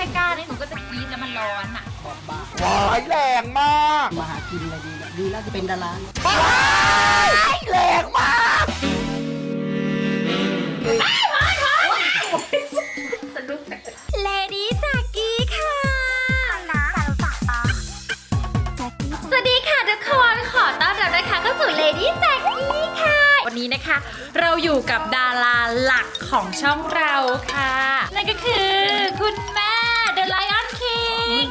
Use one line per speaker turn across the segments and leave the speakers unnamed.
กล้านี่หนูก็จะกรี๊ดแล้วมันร้อนอ่ะ
บอกบ้า
ว้ายแรงมาก
มาหากินอะไรดีแล้วดีแล้วจะเป็นดารา
ว้ายแรงมาก
เลดี้จากกี้ค่ะสวัสดีค่ะทุกคนขอต้อนรับนะคะเข้าสู่เลดี้จากกี้ค่ะวันนี้นะคะเราอยู่กับดาราหลักของช่องเราค่ะนั่นก็คือคุณแม่ The Lion King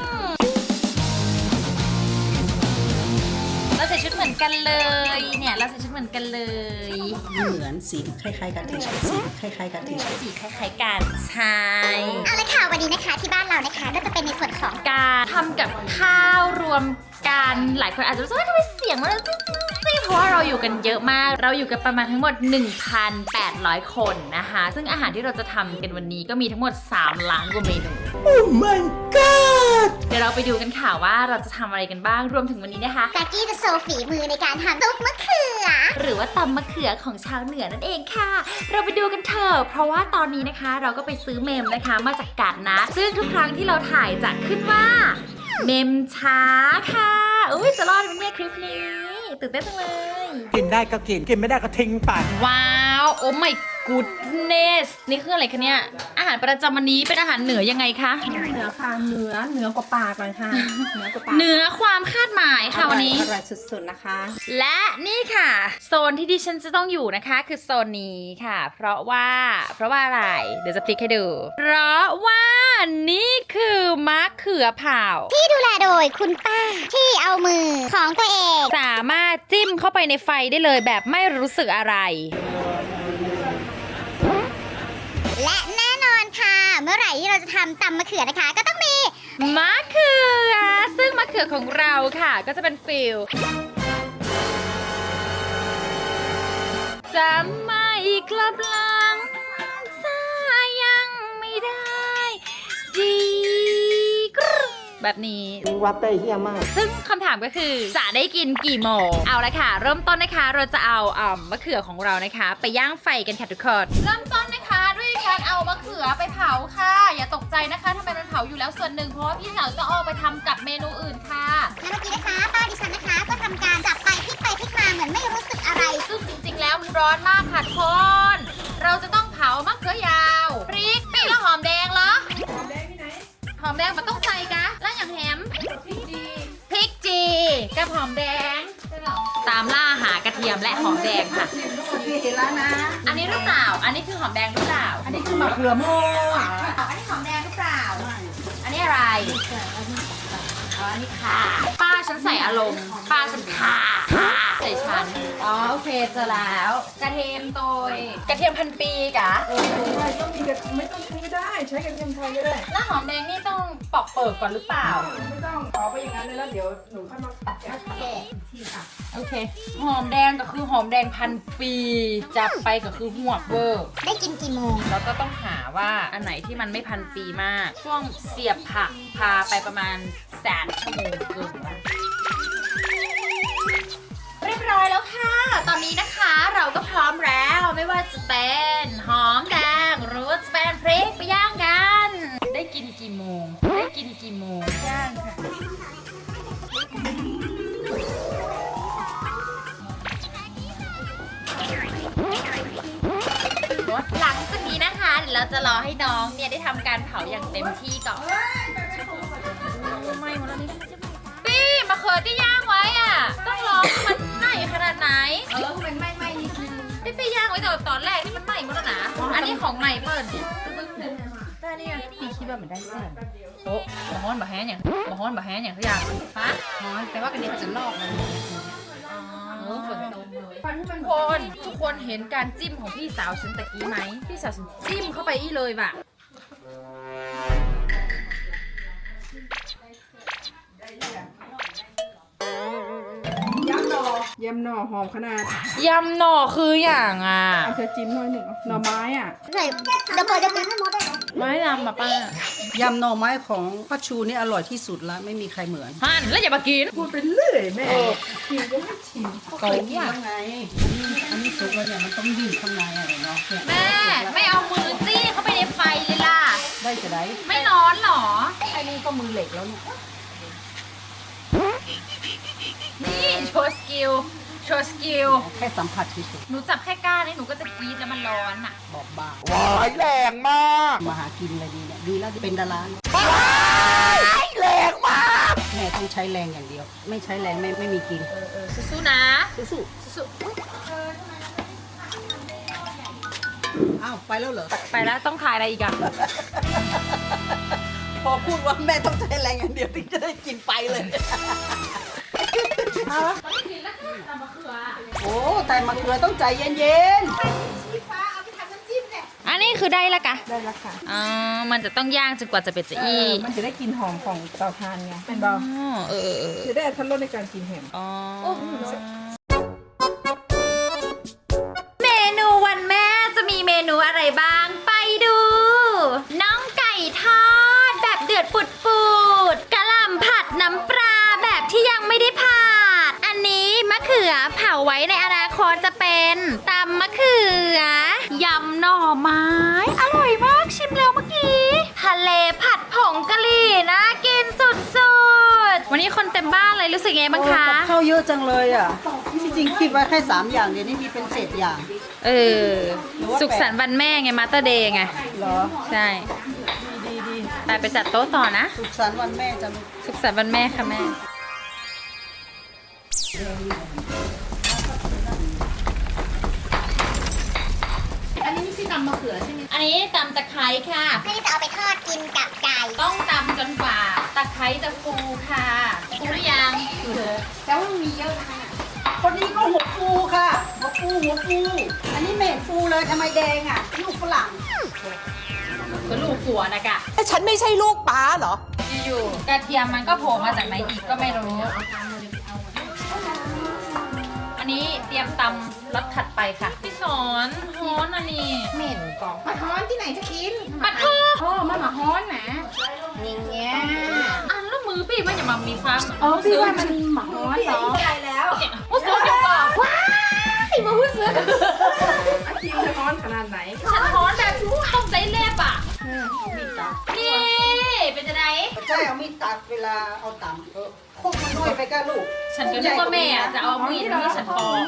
เราใส่ชุดเหมือนกันเลยเนี่ยเราใส่ชุดเหมือนกันเลย
ไม่เหมือนสีคล้ายๆกันเฉยๆสีคล้ายๆกันเฉย
สีคล้ายๆกันใช่
เอาละค่ะวันนี้นะคะที่บ้านเรานะคะก็จะเป็นในส่วนของ
การทำกับข้าวรวมกันหลายคนอาจจะรู้สึกว่าทำไมเสียงมันซิเพราะว่าเราอยู่กันเยอะมากเราอยู่กันประมาณทั้งหมด 1,800 คนนะคะซึ่งอาหารที่เราจะทำกันวันนี้ก็มีทั้งหมด3ล้านกว่าเมนู
ๆ Oh my god
เดี๋ยวเราไปดูกันค่ะว่าเราจะทำอะไรกันบ้างรวมถึงวันนี้นะคะ
แจ็คกี้จะโชว์ฝีมือในการทำซุปมะเขือ
หรือว่าตำมะเขือของชาวเหนือนั่นเองค่ะ เราไปดูกันเถอะเพราะว่าตอนนี้นะคะเราก็ไปซื้อเมมนะคะมาจากกาดนะซึ่งทุกครั้งที่เราถ่ายจะขึ้นว่าเมมช้าค่ะอุ้ยจะรอดไหมเนี่ยคลิปนี้ตื่นเต้นจังเลย
กินได้ก็กิน กินไม่ได้ก็ทิ้งไป
ว้าวโอ้ my goodness นี่คืออะไรคะเนี่ยอาหารประจำวันนี้เป็นอาหารเหนือยังไงคะ
เหนือค่ะเหนือกว่าปากเลยค่ะเหนือกว่าปาก
เหนือความคาดหมายค่ะวันนี้
อร่อยสุดๆนะคะ
และนี่ค่ะ โซนที่ดิฉันจะต้องอยู่นะคะ คือโซนนี้ค่ะ เพราะว่าอะไรเดี๋ยวจะพลิกให้ดู เพราะว่านี่คือมะเขือเผา
ที่ดูแลโดยคุณป้าที่เอามือของตัวเอง
สามารถจิ้มเข้าไปในไฟได้เลยแบบไม่รู้สึกอะไร
และแน่นอนค่ะ เมื่อไหร่ที่เราจะทำตำมะเขือนะคะ ก็ต้องมี
มะเขือซึ่งมะเขือของเราค่ะ ก็จะเป็นฟิลจะไม่กลับหลังสายยังไม่ได้ดีกรึ๊บแบบนี้
วัดได้เฮี้ยมาก
ซึ่งคำถามก็คือจะได้กินกี่โมงเอาละค่ะ เริ่มต้นนะคะเราจะเอามะเขือของเรานะคะ ไปย่างไฟกันค่ะทุกคนเริ่มต้นนะคะด้วยการเอามะเขือไปเผาค่ะ อย่าตกใจนะคะทำไมมันเผาอยู่แล้วส่วนหนึ่งเพราะว่าพี่สาวจะเอาไปทำกับเมนูอื่นค่ะ
และเมื่อกี้นะคะป้าดิฉันนะคะก็ทำการจับไปพลิกมาเหมือนไม่รู้สึกอะไร
ซึ่งจริงๆแล้วมันร้อนมากค่ะทุกคน เราจะต้องเผามะเขือยาวพริกแล้วหอมแดงเหรอหอมแดงที่ไหนหอมแดงมันต้องใส่กะแล้วอย่างแฮมพริกจีกับหอมแดงตามล่าหากระเทียมและหอมแดงค่ะ
เห็นแล้วนะ
อันนี้หรือเปล่า อันนี้คือหอมแดงหรือเปล่า
อันนี้คือมะเขือโม่
อันนี้หอมแดงหรือเปล่า อันนี้อะไรอ๋ออันนี้ค่ะ ป้าฉันใส่อารมณ์ ป้าฉันค่ะใส่ฉัน อ๋อโอเคเจอแล้ว กระเทียมโตยกระเทียมพันปีกะ
ต้องมีไม่ต้องใช้ก็ได้ ใช้กระเทียมไทยก็ได้
แล้วหอมแดงนี่ต้องปอกเปิดก่อนหรือเปล่า
ไม่ต้องขอไปอย่างนั้นเลยแล้วเดี๋ยวหนูค่อยมาแกะที่อ่ะ
โอเค หอมแดงก็คือหอมแดงพันปี จับไปก็คือหัวกเวอร์
ได้กินกี่โมง
แล้วก็ต้องหาว่าอันไหนที่มันไม่พันปีมาก ช่วงเสียบผักพาไปประมาณ100,000 ชั่วโมงเกินเรียบร้อยแล้วค่ะ ตอนนี้นะคะเราก็พร้อมแล้วไม่ว่าจะเป็นหอมแดงหรือว่าจะเป็นพริกไปย่างกัน ได้กินกี่โมง ได้กินกี่โมงย่างค่ะ หลังจากนี้นะคะเดี๋ยวเราจะรอให้น้องเนี่ยได้ทำการเผาอย่างเต็มที่ก่อนไม่หมดแล้วนี่ปี้มะเขือที่ย่างไว้อ่ะต้องรอให้มันไหม้ขนาดไหนมันไหม้นิดนึงได้ไปย่างไว้แต่ตอนแรกที่มันไหม้หมดแล้วนะอันนี้ของใหม่เปิดดิได้นี่ไงปีคิดว่ามันได้แค่โอ้บะฮ้อนบะแห้งอย่างบะฮ้อนบะแห้งอย่างทุกอย่างฮะฮ้อนแต่ว่ากันนี้มันจะลอกมันฝนตกเลยทุกคนเห็นการจิ้มของพี่สาวฉันตะกี้ไหมพี่สาวฉันจิ้มเข้าไปอีเลยว่ะ
ยำหน่อหอมขนาด
ยำหน่อคืออย่างอ่ะ
เอาเธอจิ้มหน่อยหนึ่งหน่อไม้อ่ะ
ใส่ระเบิดจะเป็นให้หมดเลย
ไม่ยำแบบป้าย
ำหน่อไม้ของป้าชูนี่อร่อยที่สุดแล้วไม่มีใครเหมือน
หั่นแล้วอย่ามากิน
พูดไปเรื่อยแม่ชิมก็ไม่ชิม
โกงอ่ะ
ยังไงอันนี้สุกแล้วเนี่ยมันต้องอยู่ข้างในอะไรเนาะเนี่ย
แม่ไม่เอามือจี้เข้าไปในไฟเลยล่ะ
ได้จะได้
ไม่ร้อนหรอ
นี่ก็มือเหล็กแล้วเนี่ย
นี่โชว์สกิลโชว์สกิล
แค่สัมผัสเฉย
หนูจับแค่ก้านนี่หนูก็จะกรี๊ดแล้วมันร้อนอ่ะ
ๆบอกบ้า
ว้ายแรงมาก
มาหากินอะไรดีเนี่ยดีแล้วเป็นดารา
ว้ายแรงมาก
แม่ต้องใช้แรงอย่างเดียว ไม่ใช้แรงไม่มีกิน
สู้ๆนะ
สู้
สู้
ๆอ้าวไปแล้วเหรอ
ๆไปแล้วต้องถ่ายอะไรอีกอ่ะ
พอพูดว่าแม่ต้องใช้แรงอย่างเดียวถึงจะได้กินไปเลยโอ้แต่มะเขือต้องใจเย็น
อันนี้คือได้ละกะ
ได้แล้วค่ะ
อ๋อมันจะต้องย่างจนกว่าจะเป็นจะอี
มันจะได้กลิ่นหอมของเตาถ่านไงเป็นเบา
อ๋อเออ
จะได้ทันรสในการกินแฮม
อ๋อเมนูวันแม่จะมีเมนูอะไรบ้างไปดู น้องไก่ทอดแบบเดือดปุดๆกะหล่ำผัดน้ำปลาแบบที่ยังไม่ได้ผัดอันนี้มะเขือเผาไว้ในอนาคตจะเป็นตำมะเขือยำหน่อไม้อร่อยมากชิมแล้วเมื่อกี้ทะเลผัดผงกะหรี่น่ากินสุดๆวันนี้คนเต็มบ้านเลยรู้สึกไง
ๆ
บ้างคะ
กับข้าวเยอะจังเลยอ่ะที่จริงคิดไว้แค่3อย่างเดี๋ยวนี้มีเป็น7อย่าง
เออ สุขสันต์วันแม่ไงมาสเตอร์เดย์ไง
เหรอ
ใช่
ดี
ไปจัดโต๊ะต่อนะ
สุขสันต์วันแม่จะลูก
สุขสันต์วันแม่ค่ะแม่ อันนี้ไม่ใช่ตำมะเขือใช่ไหมอันนี้ตำตะไคร้ค่ะ
เพื่อที่จะเอาไปทอดกินกับไก่
ต้องตำจนกว่าตะไคร้จะฟูค่ะฟูหรือยัง
แต่ว่ามันมีเยอะนะคะ
คนนี้ก็หัวฟูค่ะหัวฟูอันนี้เม็ดฟูเลยทำไมแดงอ่ะลูกฝรั่ง
ก็ลูกหัวนะกะ
ฉันไม่ใช่ลูกป้าเหรอ
อยู่ๆกระเทียมมันก็โผล่มาจากไหนอีกก็ไม่รู้ อันนี้เตรียมตำรสถัดไปค่ะ พี่สอนฮ้อนอันนี้
เหม็นกล่องมาฮ้อนที่ไหนจะกิน
ปัดโท
โอ้มามาฮ้อนนะนี่เงี้ย
อันแล้วมือพี่มันอย่ามามีความ
พี่ว่ามันหมาฮ้อนเนาะอะไรแล้ว
โอ้โหเดี๋ยวก่อนว้ายมาหุ้นเสือ
อาคิวจะฮ้อนขนาดไหน
ฉันฮ้อนแบบต้องใจเล็บอ่ะ
มีดตัด
นี่เป็นจะได
ใช่เอามีดตัดเวลาเอาตำโคกมันน้อยไปก็ลูก
ฉันก็นึกว่าแม่อะจะเอามีดมาให้ฉันปอก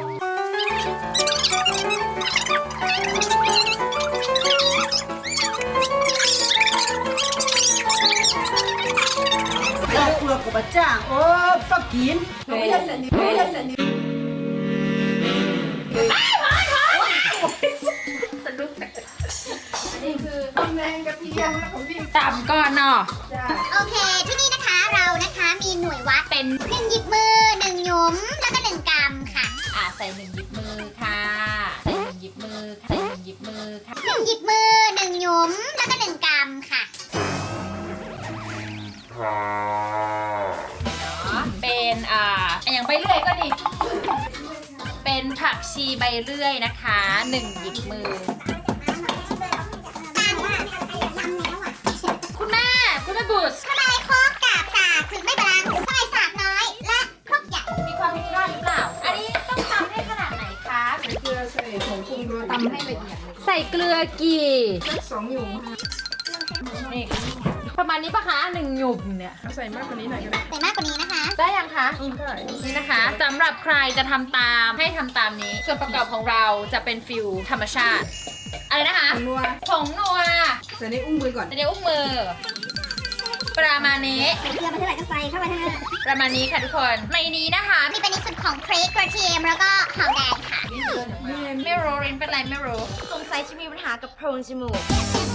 เราเปลือกกับจ้างโอ้ก็กิน
ไม่ใช่เสนิทไม่ใช่เสนิท
นี่คือ
ตำแหน่งกระเทียมแล้วของพี่
ตำก่อนเนาะ
จ้า
โอเค ที่นี่นะคะเรานะคะมีหน่วยวัด
เป็น
1 หยิบมือ 1 หยุมแล้วก็ 1 กำค่ะ
ใส่หนึ่งหยิบมือค่ะใส่หนึ่งหยิบมือค่ะใส่หนึ่งหยิบมือค่ะ
1 หยิบมือ 1 หยุมแล้วก็ 1 กำค่ะ
เป็นอย่างใบเลื่อยก็ดี เป็นผักชีใบเลื่อยนะคะหนึ่งหยิบมือ คุณแม่บุษ
ทำไมโคกกับสากถึงไม่บาลานซ์ทำไมสากน้อยและครกใหญ่
มีความผิดพลาดหรือเปล่า อันนี้ต้องทำให้ขนาดไหนคะ
เกลือใส่ผงปรุงรสตำให้ละเอียดเลย
ใส่เกลือกี่
2 หยุมค่ะ
นี่ประมาณนี้ปะคะหนึ่งหยุมเนี่ย
ใส่มากกว่านี้หน่อยก็ได้
แต่มากกว่านี้นะคะ
ได้ยังคะ
ใช่
นี่นะคะสำหรับใครจะทำตามให้ทำตามนี้ ส่วนประกอบของเราจะเป็นฟิลธรรมชาติ อะไรนะคะ
นัว
ผงนัว
ใส่ในอุ้งมือก่อน
เดี๋ยวอุ้งมือ ประมาณนี้
ใส่เกลือไปเท่าไหร่ก็ใส่เข้าไปเท่านั้น
ประมาณนี้ค่ะทุกคนในนี้นะคะ
มีเป็นในส่วนของพริกกระเทียมแล้วก็หอมแดงค่ะ
ไม่รู้รินเป็นไรไม่รู้
สงสัยจะมีปัญหากับโพรงจมูก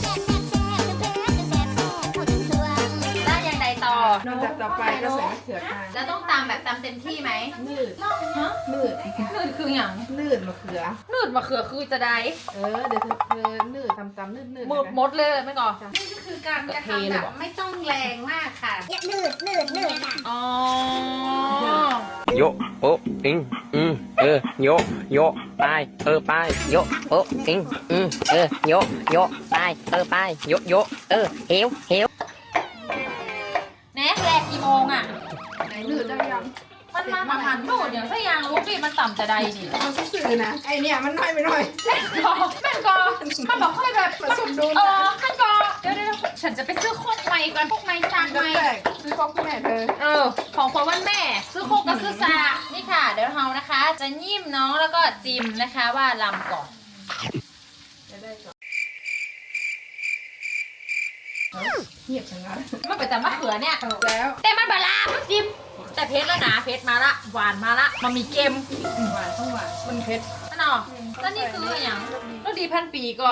แล้วยังใดต่อ
นอกจากต่อไปก็ใส่มะเขือค่ะ
แล้วต้องตามแบบตามเต็มที่ไหม
นืด
ฮะ
นืด
นืดคืออย่าง
นืดมะเขือ
นืดมะเขือคือจะได้
เดี๋ยวเธอนืดตำนืด
มืดมดเลยไม่ก่อน
นี่ก็คือการจะทำแบบไม่ต้องแรงมากค่ะ
นืดค่ะ
อ๋อ
โยโอะอิงโยโยไปไปโยโอะอิงโยโยไปโยโยเหว
แน่แรกกี่โมงอ่ะ
ไหนนืดได้ยัง
มันมาหันโหดอย่างซะยางรู้ดิมันต่ำจะใดนี่
เอาซื่อๆนะ ไอเนี่ยมันน้อยไปหน่อย
แม่นกอมันบอกค่อยแบบ
ผสมดุล
แม่นกอเดี๋ยวฉันจะไปซื้อโคตรใหม่ก่อนกันพวกไม้ซักไม้
ซื้อของคุณแม่เธอ
ของขวัญวันแม่ ซื้อโคกกับซื้อซานี่ค่ะ เดี๋ยวเรานะคะ จะยิ้มน้องแล้วก็จิ้มนะคะว่าลำก่อนเงียบจังเลยมันเป็นแต่มะเขือเนี่ย
แล้ว
แต่มันบาลามันจิ้มแต่เพชรแล้วนะเพชรมาละหวานมาละมันมีเค็ม
หวานต้องหวานมันเผ็ด
นั่นเนาะแล้วนี่คืออย่างรสดีพันปีก็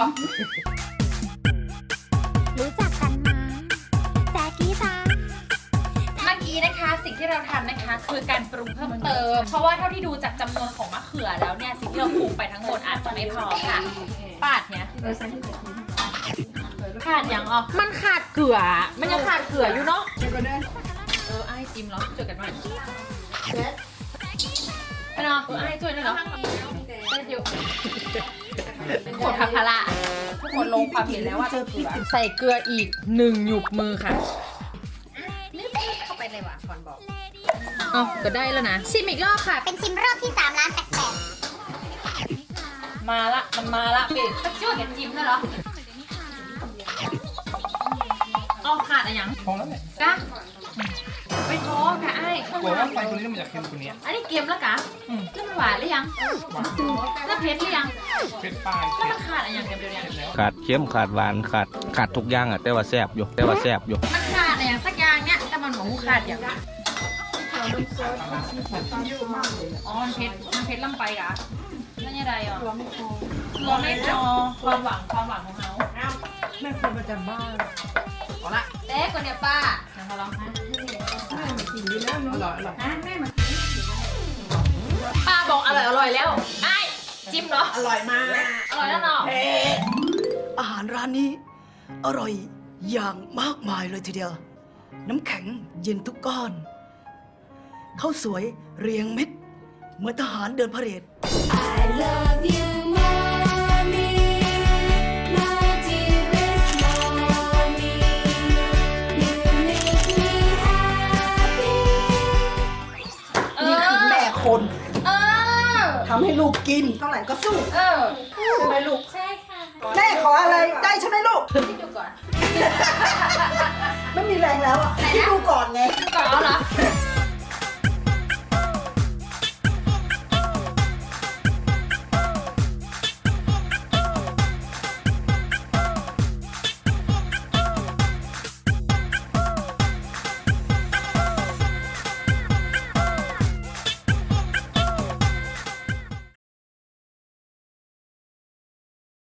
รู้จักกันมาแจ๊กกี้จ้า
เมื่อกี้นะคะสิ่งที่เราทำนะคะคือการปรุงเพิ่มเติม เพราะว่าเท่าที่ดูจากจำนวนของมะเขือแล้วเนี่ยสิ่งที่เราปรุงไปทั้งหมดอาจจะไม่พอค่ะปาดเนี่ย
ใส่ที่ใส่ที่
ขาดอย่างอ๋อมันขาดเกลือมันยังขาดเกลืออยู่เนาะ
เดี๋ยวก็ได้
ไอ้จิ้มเหรอช่วยกันหน่อยไม่เนาะไอ้ช่วยหน่อยเหรอได้เดียวกดทัพพละทุกคนลงความเห็นแล้วว่าเกลือใส่เกลืออีก1 หยุบมือค่ะนี่เข้าไปเลยว่ะก่อนบอกอ๋อก็ได้แล้วนะชิมอีกรอบค่ะ
เป็นชิมรอบที่3ล้าน8แสน
มาละมันมาละเป็ดช่วยกันจิ้มได้เหรออ๋อขาดอะไรยัง
พอแล้วแหละ
กะไม่ท้อค่ะไอ้
กลัวว่าไฟตัวนี้มันจะเค็มกว่านี้
อันนี้เกมแล้วกะแล้วมันหวานหรือยัง
หวาน
แล้วเผ็ดหรือยัง
เผ็ดปลาย
แล้ว
เผ็
มั
ด
นขาดอะไรอย่างเดียวเนี่ย
แล้ว
ขาดเค็มขาดหวานขาดทุกอย่างอ่ะแต่ว่าแซ่บอยู่
มันขาดอะไรอย่างสักอย่างเนี่ยแต่มันหมูขาดอย่างอ๋อมันเผ็ดล่ำไปกะแล้วยังไงอ่ะกลัวไม่พอความหวังของเขา
แม่คนประจำบ้าน
เอาละเด็กคนเดียวป้ายังมาลองนะ
แม่มากินอยู่แล้วเนาะอร่อยอร่อย
แม่มาป้าบอกอร่อยแล้วไอ้จิ้มเหรอ
อร่อยมาก
อร่อยแล้วเนาะ
อาหารร้านนี้อร่อยอย่างมากมายเลยทีเดียว น้ำแข็งเย็นทุกก้อนข้าวสวยเรียงเม็ดเหมือนทหารเดินพาเหรด
I love you mommy my dearest mommy you make me happy
นี่คือแม่คน
เออ
ทำให้ลูกกินเท่าไหร่ก็สู้
เออ
ใช่ไหมลูก
ใช่